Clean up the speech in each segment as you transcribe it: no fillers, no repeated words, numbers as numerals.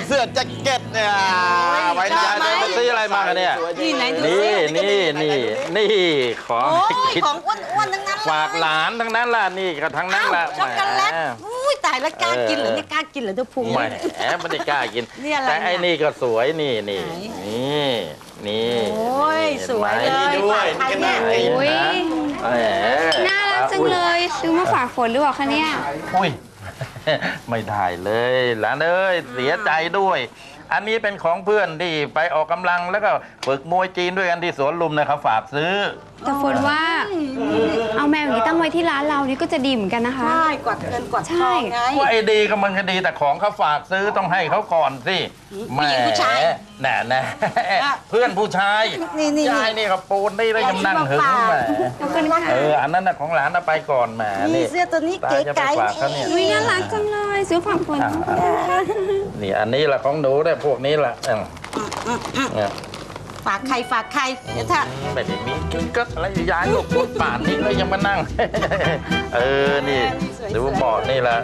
เสื้อแจ็คเก็ตเนี่ยไว้หน้าไปซื้ออะไรมากันเนี่ยนี่ไหนดูนี่ของโอ้ยกินของอ้วนๆทั้งนั้นเลยฝากหลานทั้งนั้นล่ะนี่ก็ทั้งนั้นล่ะช็อกโกแลตอุ้ยตายแล้วกล้ากินเหรอเนี่ยกล้ากินเหรอเจ้าพุงแหมไม่ได้กล้ากินนี่อะไรแต่ไอ้นี่ก็สวยนี่ไหนนี่โอ้ยสวยเลยด้วยฝากใครเนี่ยอุ๊ยแหมน่ารักจังเลยซื้อมาฝากฝนหรือเปล่าคะเนี่ยอุ้ย ไม่ได้เลยหลานเอ้ยเสียใจด้วย อันนี้เป็นของเพื่อนที่ไปออกกำลังแล้วก็ฝึกมวยจีนด้วยกันที่สวนลุมนะครับฝากซื้อแต่ฝนว่า เอาแมวอย่างนี้ตั้งไว้ที่ร้านเรานี่ก็จะดีเหมือนกันนะคะใช่กวัดเงินกวัดทองไงว่าไอ้ดีก็มันก็ดีแต่ของเขาฝากซื้อต้องให้เขาก่อนสิผู้หญิงผู้ชายแน่เพื่อนผู้ชายนี่ยายนี่ก็ปูนนี่แล้วยังนั่งหึงแหมขอบคุณค่ะอันนั้นน่ะของหลานเอาไปก่อนแหมนี่เสื้อตัวนี้เก๋ไก๋ตาจะไปฝากเขาเนี่ยอุ๊ยน่ารักจังเลยซื้อฝากฝนนี่อันนี้แหละของหนูได้พวกนี้แหละเนี่ยฝากใครฝากใครเดี๋ยวถ้าไม่ได้มีกิ๊กกักอะไรยายก็พูดป่านนี้ก็ยังมานั่ง นี่ดูเบาะนี่แหละ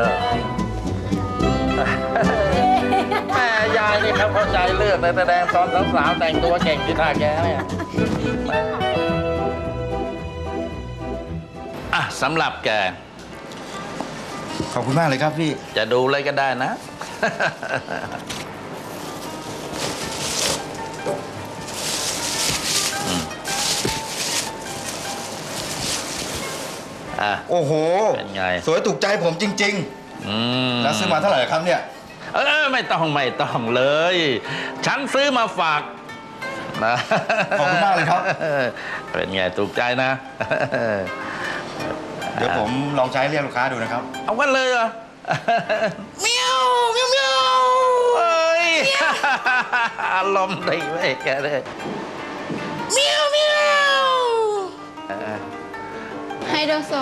แม่ยายนี่เขาเข้าใจเลือกเลยแสดงตอนสาวๆแต่งตัวเก่งที่ท่าแกเนี่ยอ่ะสำหรับแกขอบคุณมากเลยครับพี่จะดูอะไรก็ได้นะโอ้โหเป็นไงสวยถูกใจผมจริง ๆ แล้วซื้อมาเท่าไหร่ครับเนี่ยไม่ต้องเลย ฉันซื้อมาฝากนะขอบคุณมากเลยครับเป็นไงถูกใจนะเดี๋ยวผมลองใช้เรียกลูกค้าดูนะครับเอากันเลยเหรอเมียวเมียวเมียวเอ้ยอารมณ์ดีเว้ยแกเลยเมียวเมียวไฮโดโซ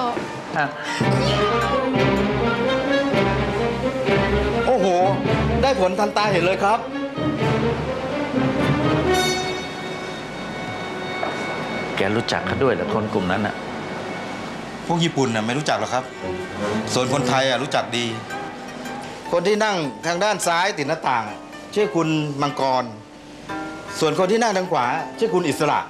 โอ้โห ได้ผลทันตาเห็นเลยครับแกรู้จักเขาด้วยเหรอคนกลุ่มนั้นอ่ะพวกญี่ปุ่นน่ะไม่รู้จักหรอกครับ ส่วนคนไทยอ่ะรู้จักดี คนที่นั่งทางด้านซ้ายติดหน้าต่างชื่อคุณมังกร ส่วนคนที่นั่งทางขวาชื่อคุณอิสระ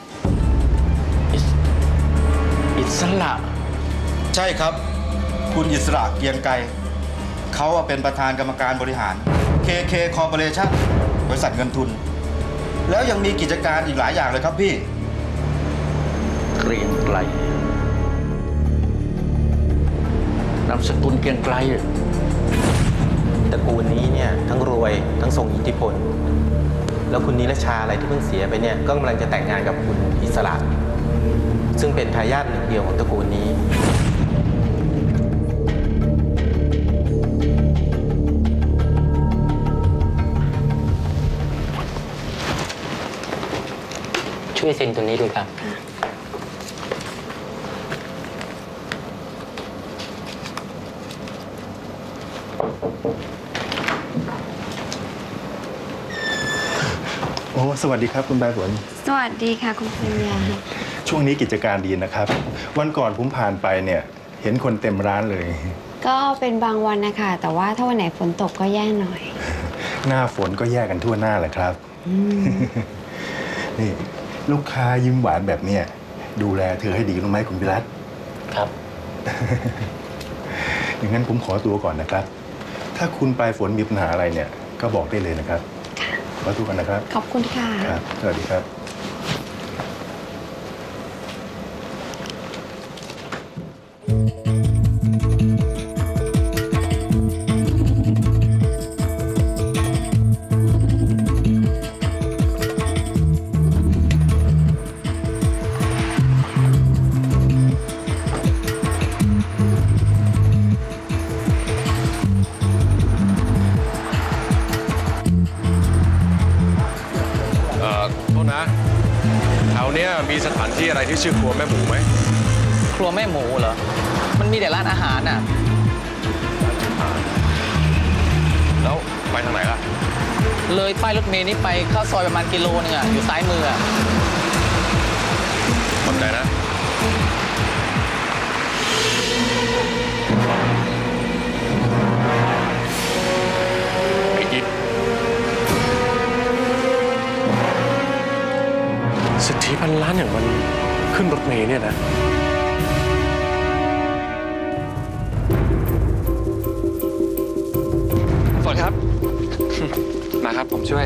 อิสระใช่ครับ คุณอิสระเกียงไกรเขาเป็นประธานกรรมการบริหาร KK Corporation บริษัทเงินทุน แล้วยังมีกิจการอีกหลายอย่างเลยครับพี่เกรียงไกรนามสกุลเกรียงไกรตระกูลนี้เนี่ยทั้งรวยทั้งทรงอิทธิพล แล้วคุณนิรชาอะไรที่เพิ่งเสียไปเนี่ยก็กำลังจะแต่งงานกับคุณอิสระ ซึ่งเป็นทายาทหนึ่งเดียวของตระกูลนี้ช่วยเซ็นตัวนี้ด้วยครับโอ้ สวัสดีครับคุณใบฝนสวัสดีค่ะคุณปัญญาช่วงนี้กิจการดีนะครับ วันก่อนผมผ่านไปเนี่ย เห็นคนเต็มร้านเลยก็เป็นบางวันนะคะแต่ว่าถ้าวันไหนฝนตกก็แย่หน่อยหน้าฝนก็แย่กันทั่วหน้าแหละครับ นี่ลูกค้ายิ้มหวานแบบเนี้ยดูแลเธอให้ดีรู้ไหมคุณวิรัตครับอย่างนั้นผมขอตัวก่อนนะครับ ถ้าคุณปลายฝนมีปัญหาอะไรเนี่ย ก็บอกได้เลยนะครับขอตัวกันนะครับขอบคุณค่ะครับ สวัสดีครับโทษนะแถวเนี้ยมีสถานที่อะไรที่ชื่อครัวแม่หมูไหมครัวแม่หมูเหรอ มันมีแต่ร้านอาหารน่ะแล้วไปทางไหนล่ะเลยป้ายรถเมล์นี้ไปเข้าซอยประมาณกิโลนึงอ่ะ อยู่ซ้ายมืออ่ะขอบใจนะ ไอ้อิทเนี่ยนะฝนครับ มาครับผมช่วย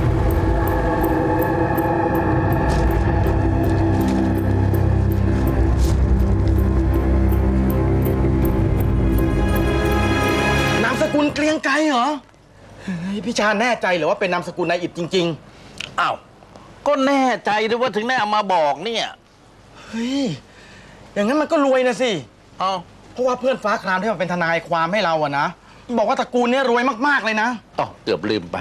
นามสกุลเกรียงไกรเหรอเฮ้ยพี่ชาญแน่ใจเหรือว่าเป็นนามสกุลนายอิฐจริงอ้าว ก็แน่ใจด้วยว่าถึงได้เอามาบอกเนี่ยๆ เฮ้ย อย่างนั้นมันก็รวยนะสิเอาเพราะว่าเพื่อนฟ้าครามที่มันเป็นทนายความให้เราอะนะ บอกว่าตระกูลเนี้ยรวยมากๆเลยนะอ๋อเกือบลืมไป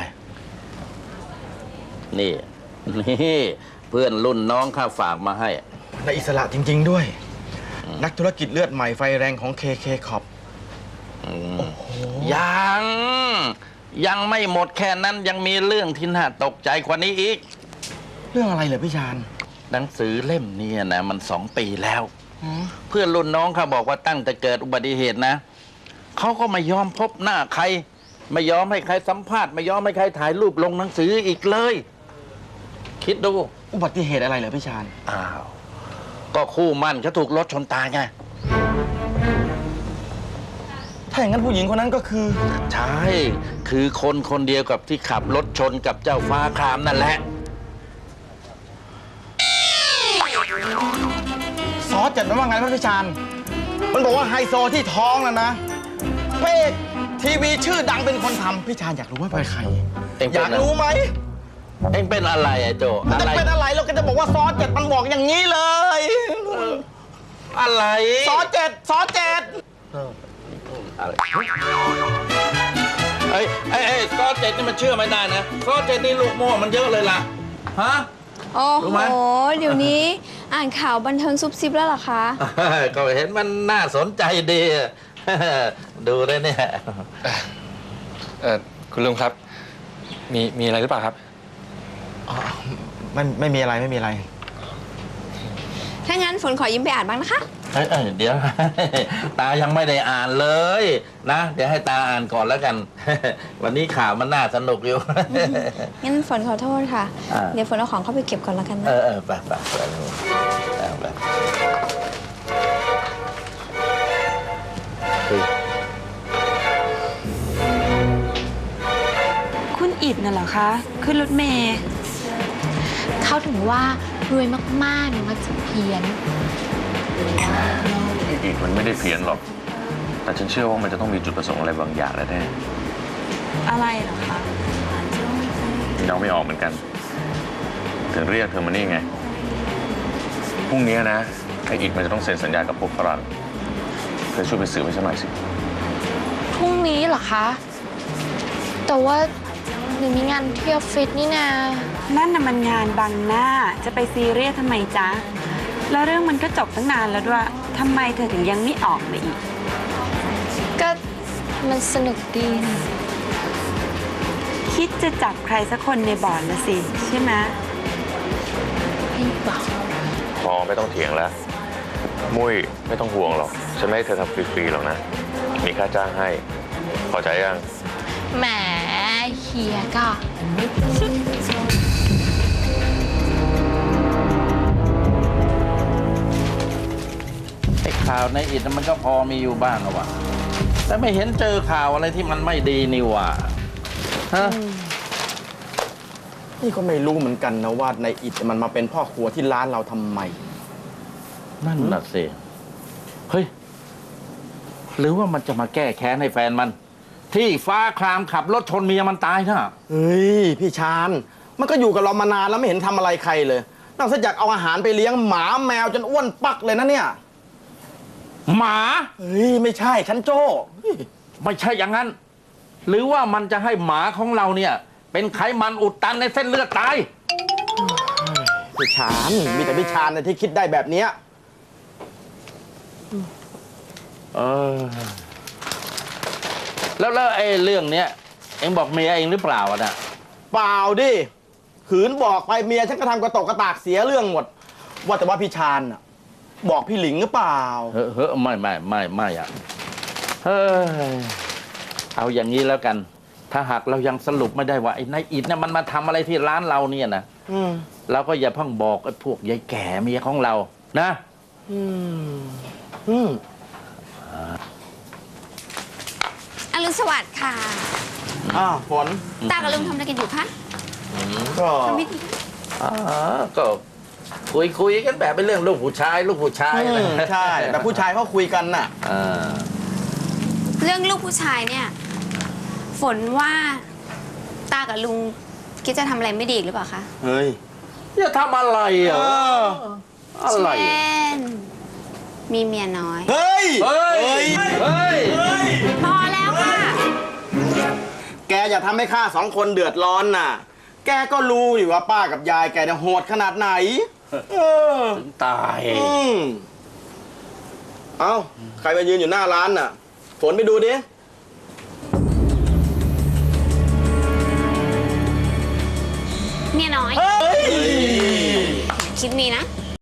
นี่ นี่เพื่อนรุ่นน้องข้าฝากมาให้นายอิสระจริง ๆ ด้วย นักธุรกิจเลือดใหม่ไฟแรงของ KK Corp ยังไม่หมดแค่นั้นยังมีเรื่องที่น่าตกใจกว่านี้อีกเรื่องอะไรเหรอพี่ชาญหนังสือเล่มนี้นะมัน2 ปีแล้ว เพื่อนรุ่นน้องเขาบอกว่าตั้งแต่เกิดอุบัติเหตุนะเขาก็ไม่ยอมพบหน้าใคร ไม่ยอมให้ใครสัมภาษณ์ไม่ยอมให้ใครถ่ายรูปลงหนังสืออีกเลย คิดดูอุบัติเหตุอะไรเหรอพี่ชาญอ้าวก็คู่มั่นเขาถูกรถชนตายไงถ้าอย่างนั้นผู้หญิงคนนั้นก็คือใช่ คือคนคนเดียวกับที่ขับรถชนกับเจ้าฟ้าครามนั่นแหละซอสจัดมันว่าไงพระพี่ชาญ มันบอกว่าไฮโซที่ท้องน่ะนะพระเอกทีวีชื่อดังเป็นคนทำพี่ชาญอยากรู้ว่าเป็นใครเอ็งเป็นอยากรู้ไหมเอ็งเป็นอะไรอะโจมันอะจะไรเป็นอะไรเราก็จะบอกว่าซอสเจ็ดมันบอกอย่างนี้เลยอะไรซอสเจ็ดซอสเจ็ดอะไรเอ้ยซอสเจ็ดนี่มันเชื่อไม่ได้นะซอสเจ็ดนี่ลูกโม่มันเยอะเลยล่ะ ฮะโอ้รู้โหไหมเดี๋ยวนี้อ่านข่าวบันเทิงซุบซิบแล้วเหรอคะก็เห็นมันน่าสนใจดี ดูได้เนี่ยคุณลุงครับ มีอะไรหรือเปล่าครับไม่มีอะไรไม่มีอะไรถ้างั้นฝนขอยิ้มไปอ่านบ้างนะคะเอ้ยเดี๋ยว ตายังไม่ได้อ่านเลยนะ เดี๋ยวให้ตาอ่านก่อนแล้วกัน วันนี้ข่าวมันน่าสนุกอยู่งั้นฝนขอโทษค่ะอ่าเดี๋ยวฝนเอาของเข้าไปเก็บก่อนแล้วกันนะไปเฮ้ยคุณอิดน่ะเหรอคะ ขึ้นรถเมย์เขาถึงว่ารวยมากๆเนี่ยมันจะเพี้ยนอีกมันไม่ได้เพี้ยนหรอก แต่ฉันเชื่อว่ามันจะต้องมีจุดประสงค์อะไรบางอย่างแน่อะไรเหรอคะๆเราไม่ออกเหมือนกัน ถึงเรียกเธอมานี่ไง พรุ่งนี้นะไอ้อีกมันจะต้องเซ็นสัญญากับพวกฝรั่งเธอช่วยไปสืบให้ฉันหน่อยสิพรุ่งนี้เหรอคะ แต่ว่าหนูมีงานที่ออฟฟิศนี่นานั่นน่ะมันงานบังหน้า จะไปซีเรียสทำไมจ๊ะ แล้วเรื่องมันก็จบตั้งนานแล้วด้วยทำไมเธอถึงยังไม่ออกมาอีกก็มันสนุกดีนะคิดจะจับใครสักคนในบ่อนละสิ ใช่ไหมพี่บอกพอไม่ต้องเถียงแล้ว มุ้ยไม่ต้องห่วงหรอก ฉันไม่ให้เธอทำฟรีๆหรอกนะ มีค่าจ้างให้ พอใจยังแหมเฮียก็ไอ้ข่าวในอิฐมันก็พอมีอยู่บ้างอะวะแต่ไม่เห็นเจอข่าวอะไรที่มันไม่ดีนี่หว่าฮะนี่ก็ไม่รู้เหมือนกันนะว่าในอิฐมันมาเป็นพ่อครัวที่ร้านเราทำไมนั่นน่ะสิเฮ้ย หรือว่ามันจะมาแก้แค้นให้แฟนมัน ที่ฟ้าครามขับรถชนเมียมันตายน่ะเฮ้ย พี่ชาญ มันก็อยู่กับเรามานานแล้วไม่เห็นทำอะไรใครเลยนอกจากเอาอาหารไปเลี้ยงหมาแมวจนอ้วนปักเลยนะเนี่ยหมาเฮ้ย ไม่ใช่ฉันโจ้เฮ้ยไม่ใช่อย่างนั้น หรือว่ามันจะให้หมาของเราเนี่ย เป็นไขมันอุดตันในเส้นเลือดตายพี่ชาญมีแต่พี่ชาญนะที่คิดได้แบบเนี้ยเออ แล้วไอ้เรื่องเนี้ยเอ็งบอกเมียเองหรือเปล่าอะน่ะเปล่าดิขืนบอกไปเมียฉันก็ทำกระตกกระตากเสียเรื่องหมด ว่าแต่ว่าพี่ชาญน่ะบอกพี่หลิงหรือเปล่าเฮ้ยไม่อะเฮ้ยเอาอย่างนี้แล้วกัน ถ้าหากเรายังสรุปไม่ได้ว่าไอ้นายอิฐเนี่ยมันมาทำอะไรที่ร้านเราเนี่ยนะอืมเราก็อย่าเพิ่งบอกไอ้พวกยายแก่เมียของเรานะอรุณสวัสดิ์ค่ะฝนตากับลุงทำอะไรกันอยู่คะก็ทำพิธีก็คุยกันแบบเป็นเรื่องลูกผู้ชายนะใช่แบบผู้ชายเขาคุยกันน่ะอ่าเรื่องลูกผู้ชายเนี่ย ฝนว่าตากับลุงคิดจะทำอะไรไม่ดีอีกหรือเปล่าคะเฮ้ยจะทำอะไรอ่ะอะไรเช่น มีเมียน้อยเฮ้ยเฮ้ยพอแล้วค่ะแกอย่าทำให้ข้าสองคนเดือดร้อนน่ะ แกก็รู้อยู่ว่าป้ากับยายแกเนี่ยโหดขนาดไหนถึงตายเอ้า ใครมายืนอยู่หน้าร้านน่ะ ฝนไปดูดิเมียน้อย คิดมีนะ